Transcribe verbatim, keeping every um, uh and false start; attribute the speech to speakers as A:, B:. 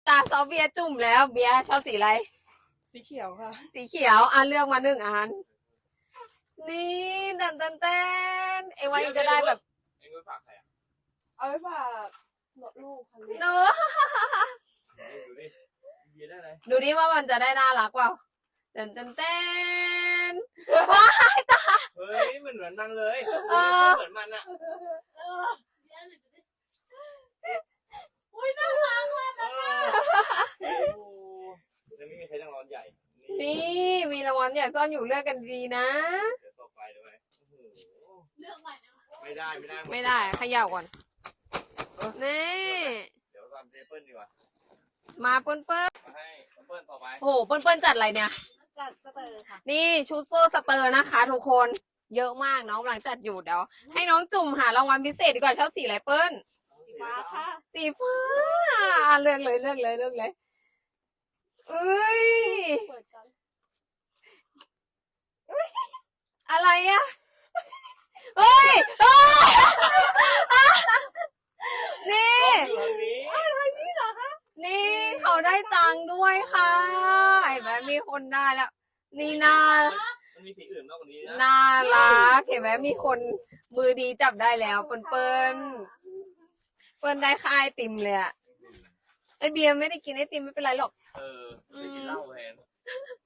A: ตาซอเบียร์จุ่มแล้วเบียร์ชอบสีอะไร
B: สีเขียวค่ะ
A: สีเขียวอ่ะเลือกมาหนึ่งอันนี่เต้นเต้นเต้นเอวายังจะได้แบบ
C: เอ็งไปฝากใครอ่ะ
B: เอาไว้ฝากลูกค่ะลูก
A: เนอะ
C: ดูดิเบียร์ได้เลย
A: ดูดิว่ามันจะได้น่ารักเปล่าเต้นเต้นเต้นว้ายตา
C: เฮ้ยมันเหมือนมันเลย
A: เออ
C: เหมือนมันอ่ะ
A: อุ้ยน่ารักมากนะ
C: โอ้จะไม่มีใครต้องร้อนใหญ่
A: นี่มีรางวัลใหญ่ซ่อนอยู่เลือกกันดีนะ
C: เดี๋ยวต่อไปเลยเลือกใหม่นะไม่ได้ไม่ได้
A: ไม่ได้เขย่าก่อนนี่
C: เดี๋ยวทำเทเปิลดีกว่า
A: มาเปิ้ลเปิ้ล
C: มาให้เปิ้ลต่อไป
A: โอ้โหเปิ้ลเปิ้ลจัดอะไรเนี่ย
B: จัดสเตอร์ค่ะ
A: นี่ชุดโซ่สเตอร์นะคะทุกคนเยอะมากน้องกำลังจัดอยู่เดี๋ยวให้น้องจุ่มหารางวัลพิเศษดีกว่าชอบสีอะไรเปิ้ล
B: สีฟ้าค่ะ
A: สีฟ้าเลือกเลยเลือกเลยเลือกเลยเอ้ย
B: เปิดกัน
A: อะไรอะเฮ้ยนี่นี่เขาได้ตังค์ด้วยค่ะเห็นไหมมีคนได้แล้วนี่น่า
C: มันมีสีอื่นมากกว่านี้นะ
A: น่ารักเห็นไหมมีคนมือดีจับได้แล้วเปิ้ลเปิ้ลเปิ้ลได้ค่าไอติมเลยอะไอเบียร์ไม่ได้กินไอติมไม่เป็นไรหรอก
C: เออไปกินเหล้าแทน